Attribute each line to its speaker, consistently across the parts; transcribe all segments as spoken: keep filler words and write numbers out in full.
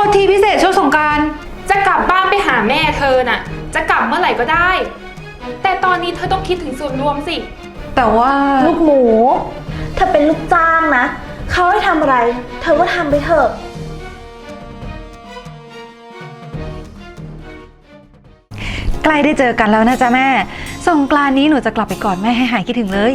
Speaker 1: ทีพิเศษช่วงสงกรานต์จะกลับบ้านไปหาแม่เธอน่ะจะกลับเมื่อไหร่ก็ได้ แต่ตอนนี้เธอต้องคิดถึงส่วนรวมสิ
Speaker 2: แต่ว่า
Speaker 3: ลูกหมูเธอเป็นลูกจ้างนะเขาให้ทำอะไรเธอก็ทำไปเถอะ
Speaker 2: ใกล้ได้เจอกันแล้วนะจ๊ะแม่สงกรานต์นี้หนูจะกลับไปกอดแม่ให้หายคิดถึงเลย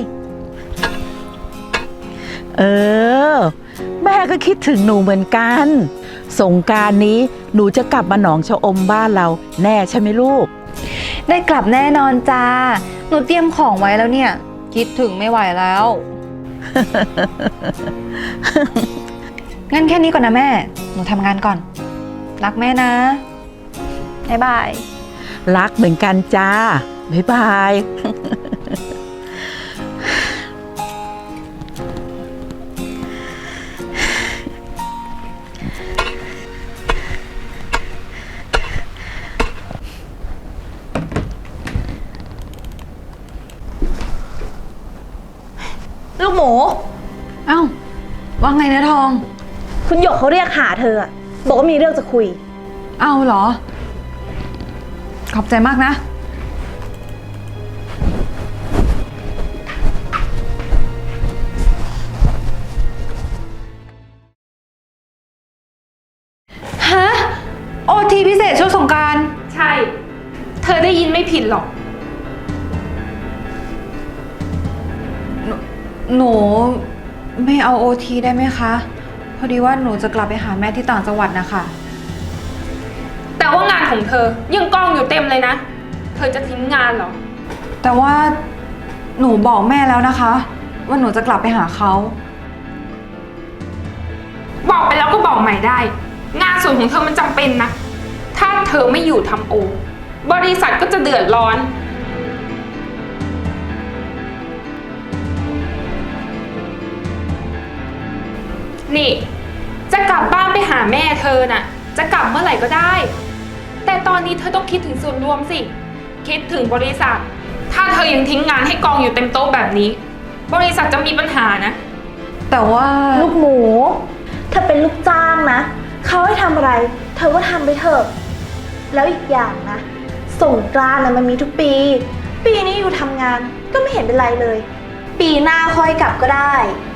Speaker 4: เออแม่ก็คิดถึงหนูเหมือนกันสงกรานต์นี้หนูจะกลับมาหนองชะอมบ้านเราแน่ใช่ไหมลูก
Speaker 2: ได้กลับแน่นอนจ้าหนูเตรียมของไว้แล้วเนี่ยคิดถึงไม่ไหวแล้ว งั้นแค่นี้ก่อนนะแม่หนูทำงานก่อนรักแม่นะบ๊ายบาย
Speaker 4: รักเหมือนกันจ้าบ๊ายบาย
Speaker 3: ลูกหมู
Speaker 2: เอ้าว่าไงนะทอง
Speaker 3: คุณหยกเขาเรียกหาเธอบอกว่ามีเรื่องจะคุย
Speaker 2: เอ้าเหรอขอบใจมากนะฮะโอทีพิเศษช่วงสงกรานต์
Speaker 1: ใช่เธอได้ยินไม่ผิดหรอก
Speaker 2: หนูไม่เอาโอทีได้ไหมคะพอดีว่าหนูจะกลับไปหาแม่ที่ต่างจังหวัดนะคะ
Speaker 1: แต่ว่างานของเธอยังกองอยู่เต็มเลยนะเธอจะทิ้งงานเหรอ
Speaker 2: แต่ว่าหนูบอกแม่แล้วนะคะว่าหนูจะกลับไปหาเขา
Speaker 1: บอกไปแล้วก็บอกใหม่ได้งานส่วนของเธอมันจำเป็นนะถ้าเธอไม่อยู่ทำโอบริษัทก็จะเดือดร้อนนี่จะกลับบ้านไปหาแม่เธอน่ะจะกลับเมื่อไหร่ก็ได้แต่ตอนนี้เธอต้องคิดถึงส่วนรวมสิคิดถึงบริษัทถ้าเธอยังทิ้งงานให้กองอยู่เต็มโต๊ะแบบนี้บริษัทจะมีปัญหานะ
Speaker 2: แต่ว่า
Speaker 3: ลูกหมูเธอเป็นลูกจ้างนะเขาให้ทำอะไรเธอก็ทำไปเถอะแล้วอีกอย่างนะสงกรานต์นะมันมีทุกปีปีนี้อยู่ทำงานก็ไม่เห็นเป็นไรเลยปีหน้าค่อยกลับก็ได้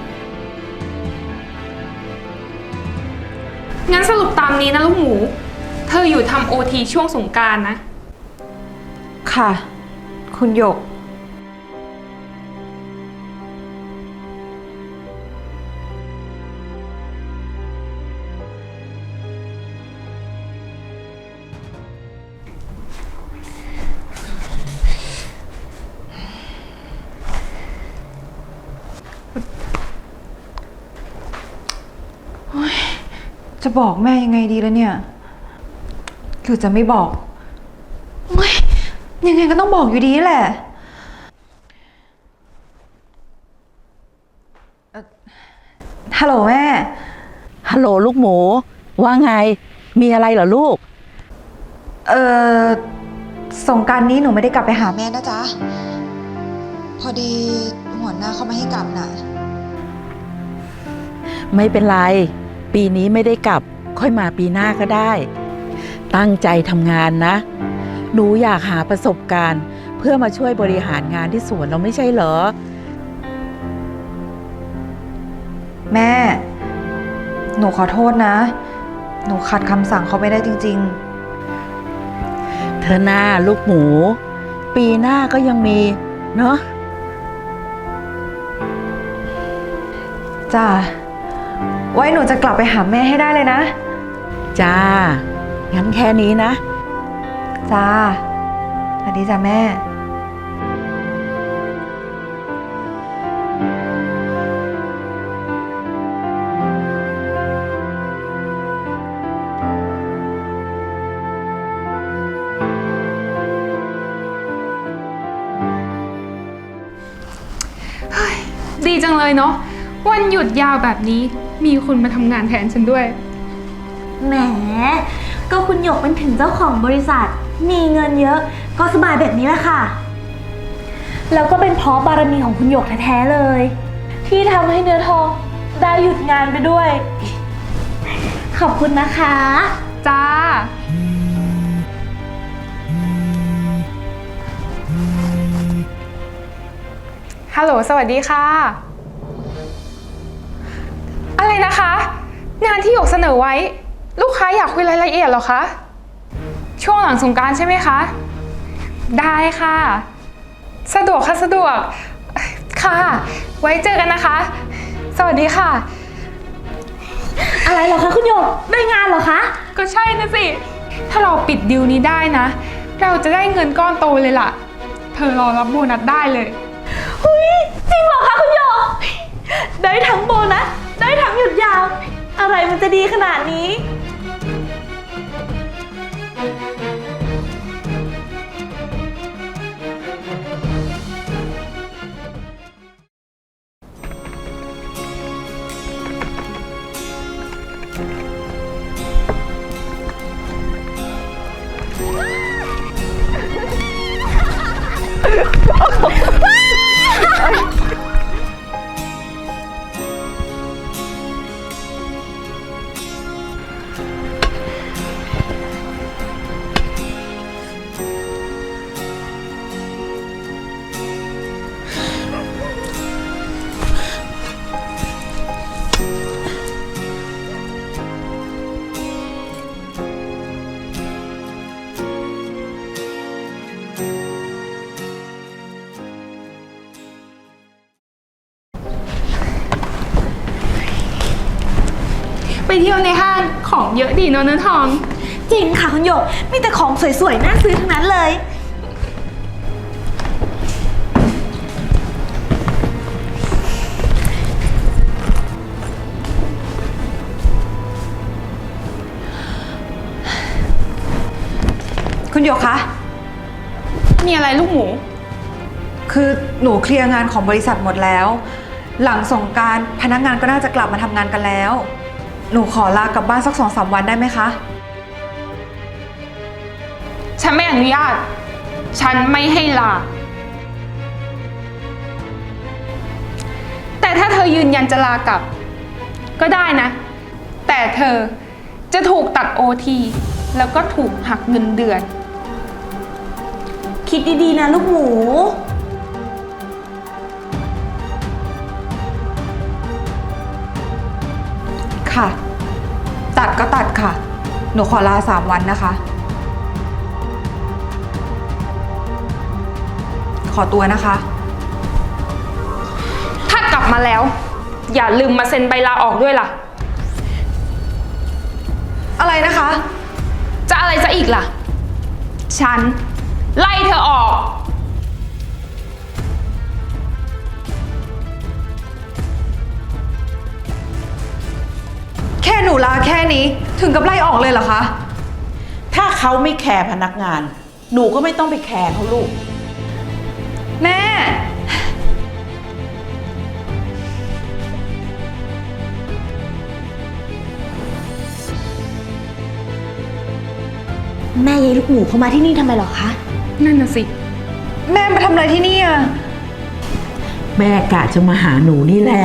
Speaker 1: งั้นสรุปตามนี้นะลูกหมูเธออยู่ทำโอทีช่วงสงกรานต์นะ
Speaker 2: ค่ะคุณหยกจะบอกแม่ยังไงดีแล้วเนี่ยหรือจะไม่บอกยังไงก็ต้องบอกอยู่ดีแหละฮัลโหลแม่
Speaker 4: ฮัลโหลลูกหมูว่าไงมีอะไรเหรอลูก
Speaker 2: เออสงกรานต์นี้หนูไม่ได้กลับไปหาแม่นะจ๊ะพอดีหัวหน้าเขาไม่ให้กลับน่ะ
Speaker 4: ไม่เป็นไรปีนี้ไม่ได้กลับค่อยมาปีหน้าก็ได้ตั้งใจทำงานนะหนูอยากหาประสบการณ์เพื่อมาช่วยบริหารงานที่สวนเราไม่ใช่เหรอ
Speaker 2: แม่หนูขอโทษนะหนูขัดคำสั่งเขาไม่ได้จริง
Speaker 4: ๆเธอหน้าลูกหมูปีหน้าก็ยังมีเนาะ
Speaker 2: จ้าไว้หนูจะกลับไปหาแม่ให้ได้เลยนะ
Speaker 4: จ้างั้นแค่นี้นะ
Speaker 2: จ้าสวัสดีจ้าแม่
Speaker 1: ดีจังเลยเนาะวันหยุดยาวแบบนี้มีคนมาทำงานแทนฉันด้วย
Speaker 3: แหมก็คุณหยกเป็นถึงเจ้าของบริษัทมีเงินเยอะก็สบายแบบนี้แหละค่ะแล้วก็เป็นเพราะบารมีของคุณหยกแท้ๆเลยที่ทำให้เนื้อทองได้หยุดงานไปด้วยขขอบคุณนะคะ
Speaker 1: จ้า ฮัลโหล สวัสดีค่ะ อะไรนะคะ งานที่หยกเสนอไว้ ลูกค้าอยากคุยรายละเอียดเหรอคะ ช่วงหลังสงกรานต์ใช่ไหมคะ ได้ค่ะ สะดวกค่ะสะดวก ค่ะ ไว้เจอกันนะคะ สวัสดีค่ะ
Speaker 3: อะไรเหรอคะคุณหยก ได้งานเหรอคะ
Speaker 1: ก็ใช่นะสิ ถ้าเราปิดดีลนี้ได้นะ เราจะได้เงินก้อนโตเลยล่ะ เธอรอรับโบนัสได้เลย
Speaker 3: หุยจริงเหรอคะคุณหยก ได้ทั้งโบนัส ได้ทั้งหยุดยาว อะไรมันจะดีขนาดนี้
Speaker 1: ไปเที่ยวในห้างของเยอะดีเนอะเนื้อทอง
Speaker 3: จริงค่ะคุณหยก มีแต่ของสวยๆ น่าซื้อทั้งนั้นเลย
Speaker 2: คุณหยกคะ
Speaker 1: มีอะไรลูกหมู
Speaker 2: คือหนูเคลียร์งานของบริษัทหมดแล้ว หลังสงกรานต์พนักงานก็น่าจะกลับมาทำงานกันแล้ว หนูขอลากลับบ้านสักสองสามวันได้ไหมคะ
Speaker 1: ฉันไม่อนุญาต ฉันไม่ให้ลา แต่ถ้าเธอยืนยันจะลากลับ ก็ได้นะ แต่เธอจะถูกตัดโอทีแล้วก็ถูกหักเงินเดือน
Speaker 3: คิดดีๆ นะลูกหมู
Speaker 2: ค่ะ ตัดก็ตัดค่ะ หนูขอลาสามวันนะคะ ขอตัวนะคะ
Speaker 1: ถ้ากลับมาแล้ว อย่าลืมมาเซ็นใบลาออกด้วยล่ะ
Speaker 2: อะไรนะคะ
Speaker 1: จะอะไรซะอีกล่ะ ฉัน ไล่เธอออก
Speaker 2: แค่หนูลาแค่นี้ถึงกับไล่ออกเลยเหรอคะ
Speaker 4: ถ้าเขาไม่แคร์พนักงาน หนูก็ไม่ต้องไปแคร์เขาลูก
Speaker 2: แม่
Speaker 3: แม่ยายลูกหมูเขามาที่นี่ทำไมเหรอคะ
Speaker 1: นั่นน่ะสิ
Speaker 2: แม่มาทำอะไรที่นี่อ่ะ
Speaker 4: แม่กะจะมาหาหนูนี่แหละ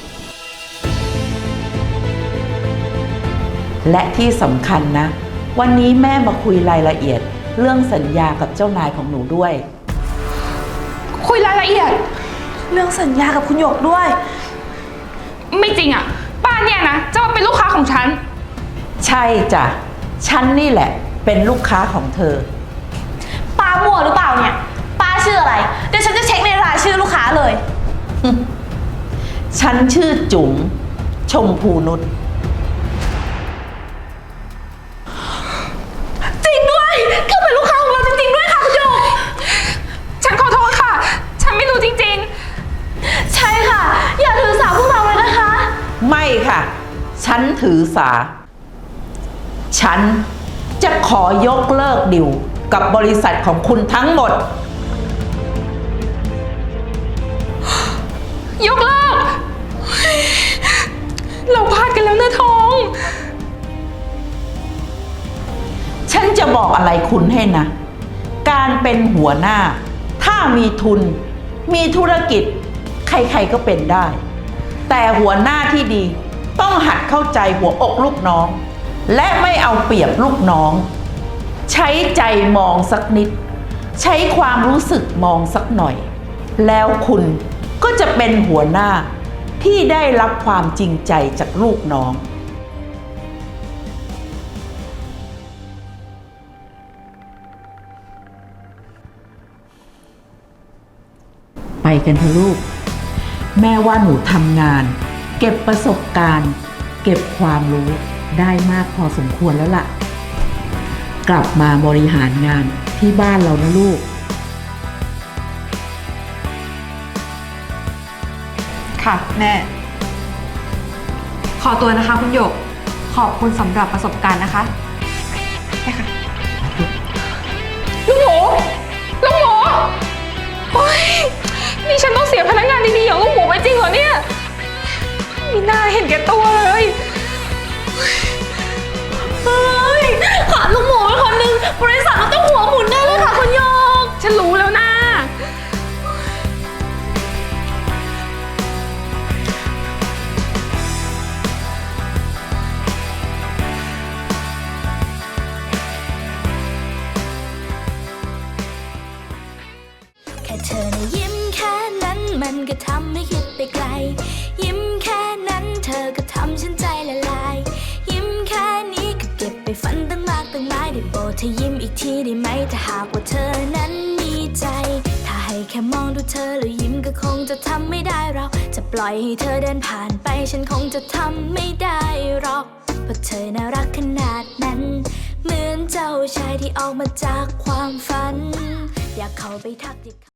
Speaker 4: และที่สำคัญนะ วันนี้แม่มาคุยรายละเอียด เรื่องสัญญากับเจ้านายของหนูด้วย
Speaker 1: คุยรายละเอียด
Speaker 3: เรื่องสัญญากับคุณหยกด้วย
Speaker 1: ไม่จริงอ่ะ ป้าเนี่ยนะ จะมาเป็นลูกค้าของฉัน
Speaker 4: ใช่จ้ะ ฉันนี่แหละ เป็นลูกค้าของเธอ
Speaker 3: ป้ามั่วหรือเปล่าเนี่ย ป้าชื่ออะไร เดี๋ยวฉันจะเช็คในรายชื่อลูกค้าเลย
Speaker 4: ฉันชื่อจุ๋มชมพูนุช
Speaker 3: จริงด้วยเขาเป็นลูกค้าของเราจริงๆด้วยค่ะคุณหยก
Speaker 1: ฉันขอโทษค่ะ ฉันไม่รู้จริง
Speaker 3: ใช่ค่ะ อย่าถือสาพวกเราเลยนะคะ
Speaker 4: ไม่ค่ะ ฉันถือสา ฉันจะขอยกเลิกดิวกับบริษัทของคุณทั้งหมด
Speaker 1: ๆ ยกเลิก เราพลาดกันแล้วเนื้อทอง
Speaker 4: ฉันจะบอกอะไรคุณให้นะ การเป็นหัวหน้า ถ้ามีทุน มีธุรกิจ ใครๆก็เป็นได้ แต่หัวหน้าที่ดีต้องหัดเข้าใจหัวอกลูกน้องและไม่เอาเปรียบลูกน้อง ใช้ใจมองสักนิด ใช้ความรู้สึกมองสักหน่อย แล้วคุณก็จะเป็นหัวหน้าที่ได้รับความจริงใจจากลูกน้อง ไปกันเถอะลูก แม่ว่าหนูทำงาน เก็บประสบการณ์ เก็บความรู้ได้มากพอสมควรแล้วล่ะ กลับมาบริหารงานที่บ้านเรานะลูก
Speaker 2: ค่ะแม่ ขอตัวนะคะคุณหยก ขอบคุณสำหรับประสบการณ์นะคะไปค่ะ
Speaker 1: ลูกหมูลูกหมูโอ๊ยนี่ฉันต้องเสียพนักงานดีๆอย่างลูกหมูไปจริงเหรอเนี่ยมีหน้าเห็นแก่ตัวเลย
Speaker 3: เฮ้ยขาดลูกหมูไปคนนึงบริษัทเราต้องหัวหมุนแน่เลยค่ะคุณโยก
Speaker 1: ฉันรู้แล้วนะ
Speaker 5: แค่เธอนะยิ้มแค่นั้นมันก็ทำให้คิดไปไกล ยิ้มแค่นั้นเธอก็ทำฉันใจละลาย ยิ้มแค่นี้ก็เก็บไปฝันตั้งมากตั้งหลายได้โปรดเธอยิ้มอีกทีได้ไหมถ้าหากว่าเธอนั้นมีใจ ถ้าให้แค่มองดูเธอแล้วยิ้มก็คงจะทำไม่ได้เราจะปล่อยให้เธอเดินผ่านไปฉันคงจะทำไม่ได้หรอกเพราะเธอน่ารักขนาดนั้น เหมือนเจ้าชายที่ออกมาจากความฝัน อยากเข้าไปทักทิ